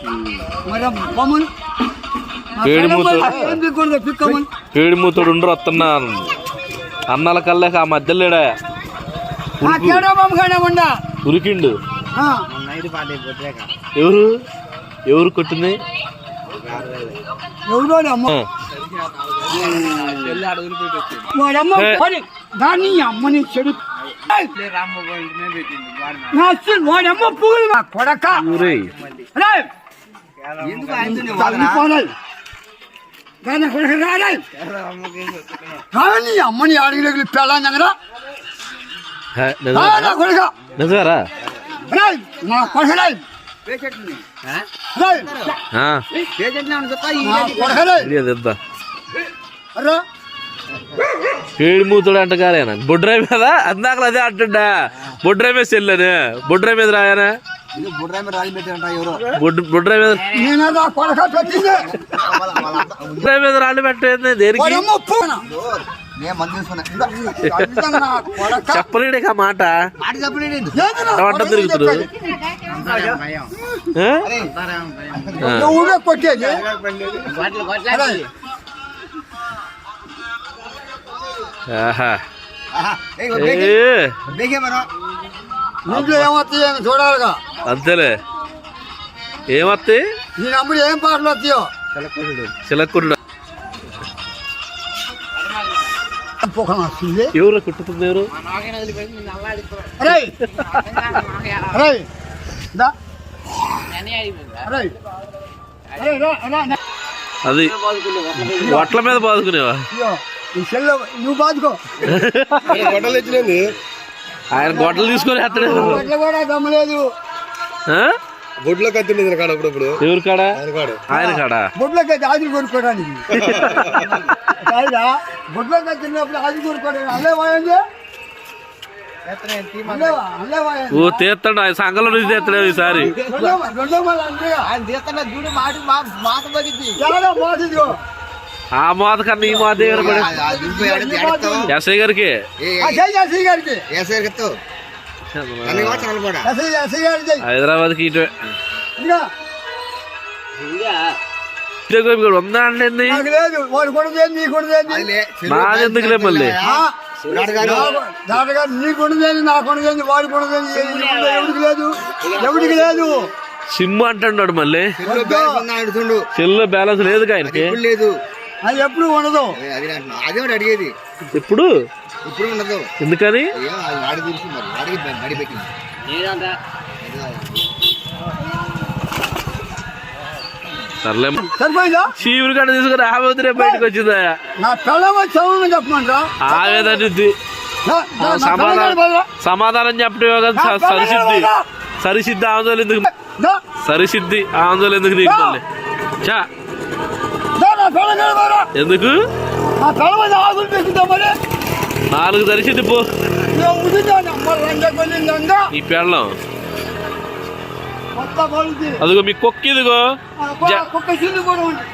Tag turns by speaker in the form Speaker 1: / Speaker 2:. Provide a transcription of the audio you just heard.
Speaker 1: పేడిమూతుడు ఉండరు వస్తున్నా అన్నాల కల్లేక ఆ మధ్యలేడా ఉరికిండు. ఎవరు ఎవరు కొట్టింది?
Speaker 2: దాన్ని అమ్మని చెడు వాడమ్మ పూలు కొడక కానీ అమ్మని అడిగి పెళ్ళాను దగ్గర కొడక నా కొడక
Speaker 1: పేడిమూతుడు అంట కాలేనా బొడ్రాయి మీద అందాకలు అదే అంటుండా బొడ్రాయి మీద చెల్లని బొడ్రాయి మీద రాయనా బొడ్రాయి మీద రాళ్ళు పెట్టేది దేనికి చెప్పలేడు ఆ మాట వంట తిరుగుతుడు
Speaker 2: కొట్టేది చూడాలిగా
Speaker 1: అంతేలే. ఏమత్తాయి
Speaker 2: నేను అమ్ముడు ఏం పాటలు వస్తాయో
Speaker 1: చిలక్కుడు ఎవరు కుట్టుతుంది? ఎవరు అది వట్ల మీద బాదుకునేవా?
Speaker 2: నువ్వు బాదుకో.
Speaker 1: ఆయన గొడ్డలు తీసుకొని
Speaker 2: గొడ్లు కూడా గమ్మలేదు.
Speaker 3: బొడ్లో కత్తిండేది కాడ అప్పుడప్పుడు.
Speaker 1: ఎవరు కాడా? ఆయన కాడా
Speaker 2: బొడ్లో కత్తి ఆది కొనుక్కోవడానికి. బొడ్లో కత్తినప్పుడు ఆది కొనుక్కోవడానికి అల్లే పోయింది.
Speaker 1: ఓ తీస్తాడు ఆయన సంఘంలో నుంచి తీస్తాడు ఈసారి. ఆ మోత కన్నా ఈ మోత దగ్గర ఎస్ఐ గారికి హైదరాబాద్ కి ఇటు ఉందా అండి మాదెందుకులే మళ్ళీ
Speaker 2: ఎవరికి లేదు.
Speaker 1: సిమ్ అంటున్నాడు మళ్ళీ సెల్లో బ్యాలెన్స్ లేదు ఆయనకి.
Speaker 2: అది ఎప్పుడు ఉండదు.
Speaker 3: అదే అడిగేది
Speaker 1: ఎప్పుడు
Speaker 3: ఇప్పుడు ఉండదు.
Speaker 1: ఎందుకని?
Speaker 2: సరిపోయిందా?
Speaker 1: చీవురు గడ్డ తీసుకుని ఆవేదనే బయటకు వచ్చిందా?
Speaker 2: నా పిల్లవ చదువు చెప్పమంటా.
Speaker 1: ఆవేదనిద్ది సమాధానం చెప్పడం సరిసిద్ధి సరిసిద్ధి ఆందోళన ఎందుకు? సరిసిద్ధి ఆందోళన ఎందుకు నీకు మళ్ళీ? చా ఎందుకు 4 సరిసిద్ధి పో ఈ పెళ్ళం. అదిగో మీ కుక్క ఇదిగో